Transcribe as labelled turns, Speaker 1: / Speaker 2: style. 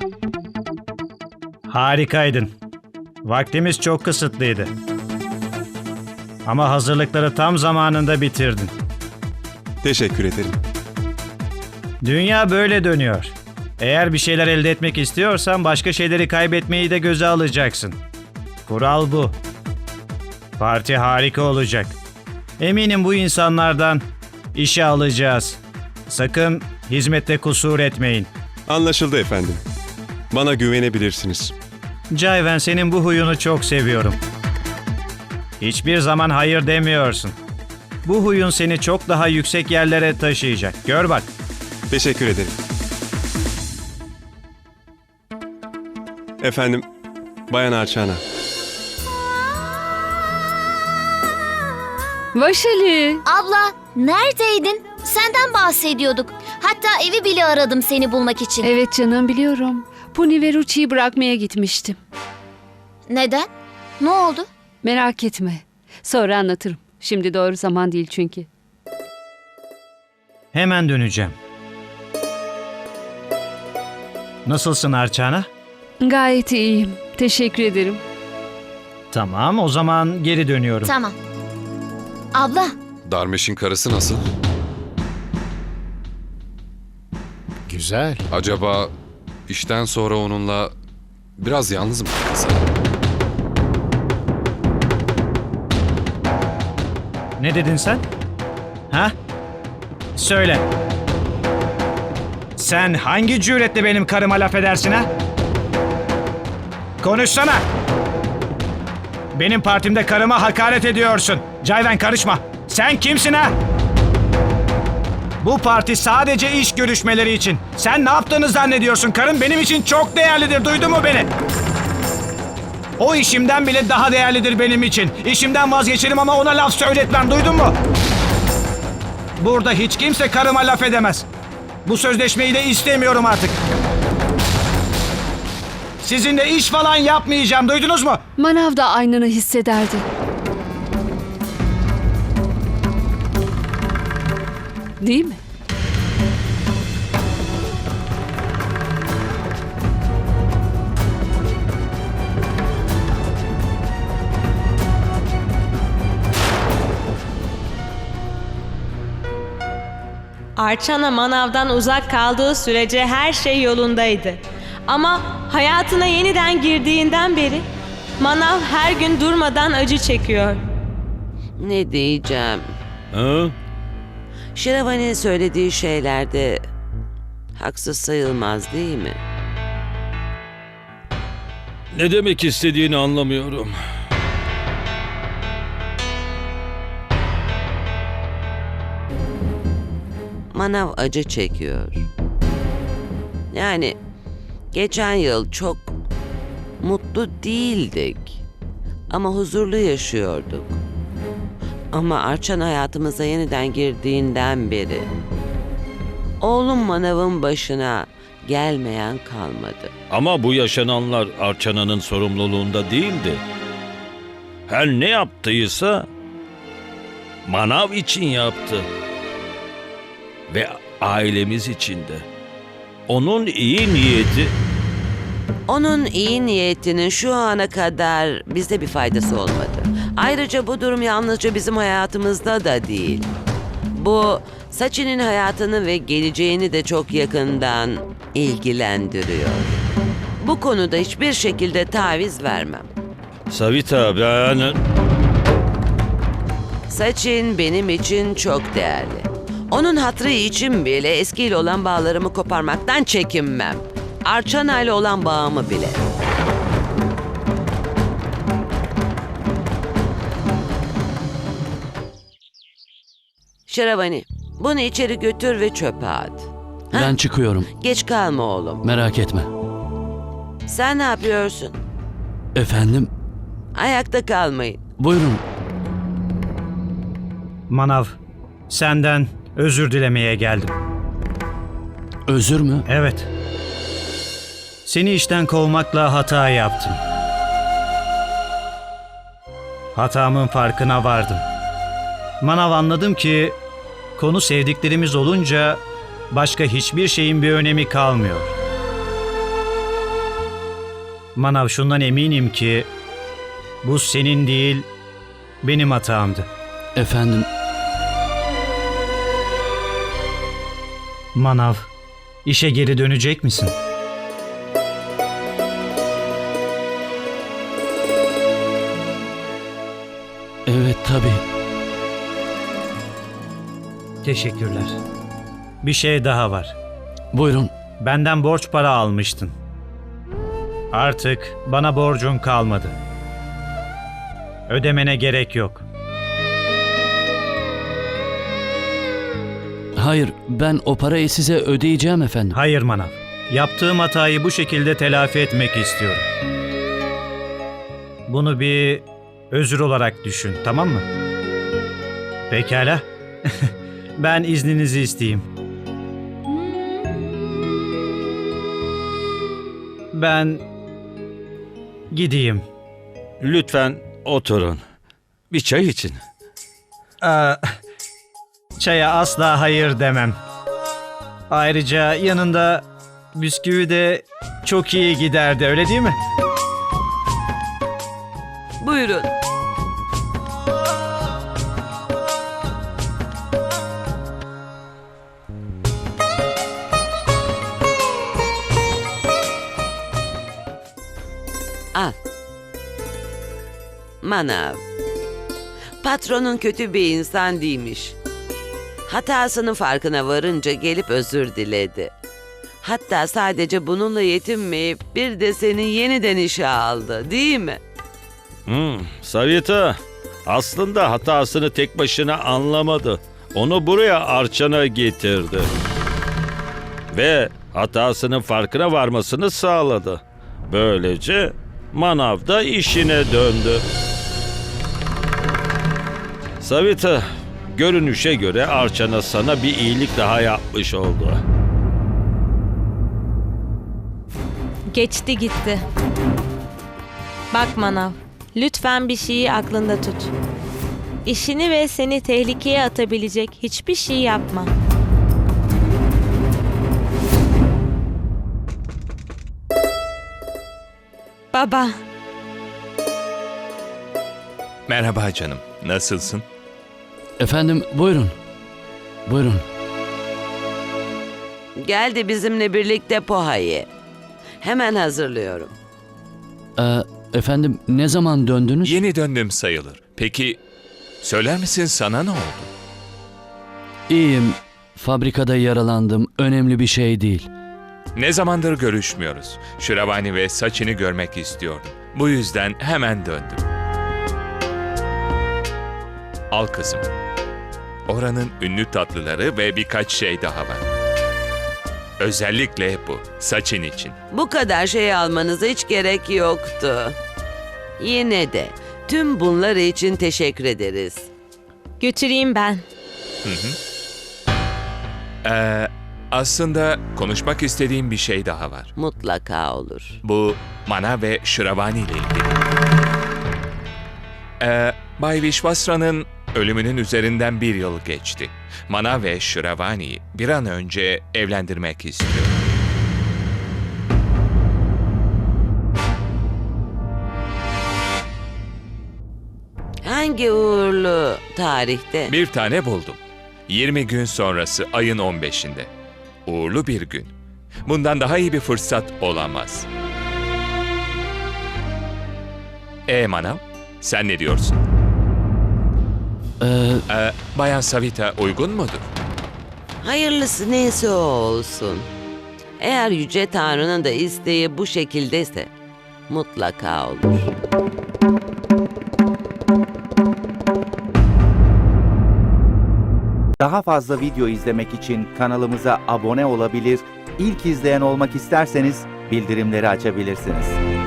Speaker 1: Harikaydın. Vaktimiz çok kısıtlıydı. Ama hazırlıkları tam zamanında bitirdin.
Speaker 2: Teşekkür ederim.
Speaker 1: Dünya böyle dönüyor. Eğer bir şeyler elde etmek istiyorsan başka şeyleri kaybetmeyi de göze alacaksın. Kural bu. Parti harika olacak. Eminim bu insanlardan işe alacağız. Sakın hizmette kusur etmeyin.
Speaker 2: Anlaşıldı efendim. Bana güvenebilirsiniz.
Speaker 1: Cayven, senin bu huyunu çok seviyorum. Hiçbir zaman hayır demiyorsun. Bu huyun seni çok daha yüksek yerlere taşıyacak. Gör bak.
Speaker 2: Teşekkür ederim. Efendim, Bayan Arçana.
Speaker 3: Vaşali.
Speaker 4: Abla, neredeydin? Senden bahsediyorduk. Hatta evi bile aradım seni bulmak için.
Speaker 3: Evet canım, biliyorum. Puni ve Ruchi'yi bırakmaya gitmiştim.
Speaker 4: Neden? Ne oldu?
Speaker 3: Merak etme. Sonra anlatırım. Şimdi doğru zaman değil çünkü.
Speaker 1: Hemen döneceğim. Nasılsın Arçana?
Speaker 3: Gayet iyiyim. Teşekkür ederim.
Speaker 1: Tamam, o zaman geri dönüyorum.
Speaker 4: Tamam. Abla,
Speaker 5: Darmeş'in karısı nasıl?
Speaker 6: Güzel.
Speaker 5: Acaba işten sonra onunla biraz yalnız mı kalsa?
Speaker 1: Ne dedin sen? Ha? Söyle. Sen hangi cüretle benim karıma laf edersin ha? Konuşsana. Benim partimde karıma hakaret ediyorsun. Cayven, karışma. Sen kimsin ha? Bu parti sadece iş görüşmeleri için. Sen ne yaptığını zannediyorsun? Karım benim için çok değerlidir. Duydun mu beni? O işimden bile daha değerlidir benim için. İşimden vazgeçerim ama ona laf söyletmem. Duydun mu? Burada hiç kimse karıma laf edemez. Bu sözleşmeyi de istemiyorum artık. Sizinle iş falan yapmayacağım. Duydunuz mu?
Speaker 3: Manav da aynını hissederdi. Değil mi?
Speaker 7: Arçana manavdan uzak kaldığı sürece her şey yolundaydı. Ama hayatına yeniden girdiğinden beri manav her gün durmadan acı çekiyor.
Speaker 8: Ne diyeceğim?
Speaker 6: Ha?
Speaker 8: Şiravani'nin söylediği şeylerde haksız sayılmaz değil mi?
Speaker 6: Ne demek istediğini anlamıyorum.
Speaker 8: Manav acı çekiyor. Yani geçen yıl çok mutlu değildik. Ama huzurlu yaşıyorduk. Ama Arçan hayatımıza yeniden girdiğinden beri oğlum Manav'ın başına gelmeyen kalmadı.
Speaker 9: Ama bu yaşananlar Arçana'nın sorumluluğunda değildi. Her ne yaptıysa Manav için yaptı. Ve ailemiz için de. Onun iyi niyeti...
Speaker 8: Onun iyi niyetinin şu ana kadar bize bir faydası olmadı. Ayrıca bu durum yalnızca bizim hayatımızda da değil. Bu Sachi'nin hayatını ve geleceğini de çok yakından ilgilendiriyor. Bu konuda hiçbir şekilde taviz vermem.
Speaker 9: Savita, ben...
Speaker 8: Sachin benim için çok değerli. Onun hatırı için bile eskiyle olan bağlarımı koparmaktan çekinmem. Arçana ile olan bağımı bile. Şiravani, bunu içeri götür ve çöpe at. Ha?
Speaker 10: Ben çıkıyorum.
Speaker 8: Geç kalma oğlum.
Speaker 10: Merak etme.
Speaker 8: Sen ne yapıyorsun?
Speaker 10: Efendim?
Speaker 8: Ayakta kalmayın.
Speaker 10: Buyurun.
Speaker 1: Manav, senden özür dilemeye geldim.
Speaker 10: Özür mü?
Speaker 1: Evet. Seni işten kovmakla hata yaptım. Hatamın farkına vardım. Manav, anladım ki konu sevdiklerimiz olunca başka hiçbir şeyin bir önemi kalmıyor. Manav, şundan eminim ki bu senin değil, benim hatamdı.
Speaker 10: Efendim,
Speaker 1: Manav, işe geri dönecek misin?
Speaker 10: evet tabii.
Speaker 1: Teşekkürler. Bir şey daha var.
Speaker 10: Buyurun.
Speaker 1: Benden borç para almıştın. Artık bana borcun kalmadı. Ödemene gerek yok.
Speaker 10: Hayır, ben o parayı size ödeyeceğim efendim.
Speaker 1: Hayır Manav. Yaptığım hatayı bu şekilde telafi etmek istiyorum. Bunu bir özür olarak düşün, tamam mı? Pekala. Ben izninizi isteyeyim. Ben gideyim.
Speaker 9: Lütfen oturun. Bir çay için.
Speaker 1: Çaya asla hayır demem. Ayrıca yanında bisküvi de çok iyi giderdi, öyle değil mi?
Speaker 8: Buyurun. Al. Manav. Patronun kötü bir insan değilmiş. Hatasının farkına varınca gelip özür diledi. Hatta sadece bununla yetinmeyip bir de seni yeniden işe aldı, değil mi?
Speaker 9: Savita aslında hatasını tek başına anlamadı. Onu buraya Arçana getirdi. Ve hatasının farkına varmasını sağladı. Böylece Manav da işine döndü. Savita, görünüşe göre Arçana sana bir iyilik daha yapmış oldu.
Speaker 7: Geçti gitti. Bak Manav, lütfen bir şeyi aklında tut. İşini ve seni tehlikeye atabilecek hiçbir şey yapma. Baba,
Speaker 11: Merhaba canım. Nasılsın?
Speaker 10: Efendim, buyurun. Buyurun.
Speaker 8: Gel de bizimle birlikte poha ye. Hemen hazırlıyorum.
Speaker 10: Efendim, ne zaman döndünüz?
Speaker 11: Yeni döndüm sayılır. Peki söyler misin sana ne oldu?
Speaker 10: İyiyim. Fabrikada yaralandım. Önemli bir şey değil.
Speaker 11: Ne zamandır görüşmüyoruz. Şiravani ve Sachin'i görmek istiyordum. Bu yüzden hemen döndüm. Al kızım. Oranın ünlü tatlıları ve birkaç şey daha var. Özellikle bu, Sachin için.
Speaker 8: Bu kadar şey almanıza hiç gerek yoktu. Yine de tüm bunlar için teşekkür ederiz.
Speaker 7: götüreyim ben.
Speaker 11: Aslında konuşmak istediğim bir şey daha var.
Speaker 8: Mutlaka olur.
Speaker 11: Bu Manav ve Şiravani ile ilgili. Bay Vishwasra'nın ölümünün üzerinden 1 yıl geçti. Manav ve Şiravani'yi bir an önce evlendirmek istiyor.
Speaker 8: Hangi uğurlu tarihte?
Speaker 11: Bir tane buldum. 20 gün sonrası ayın 15'inde. Uğurlu bir gün. Bundan daha iyi bir fırsat olamaz. Manav, sen ne diyorsun? Bayan Savita uygun mudur?
Speaker 8: Hayırlısı neyse o olsun. Eğer Yüce Tanrı'nın da isteği bu şekildeyse mutlaka olur.
Speaker 12: Daha fazla video izlemek için kanalımıza abone olabilir, ilk izleyen olmak isterseniz bildirimleri açabilirsiniz.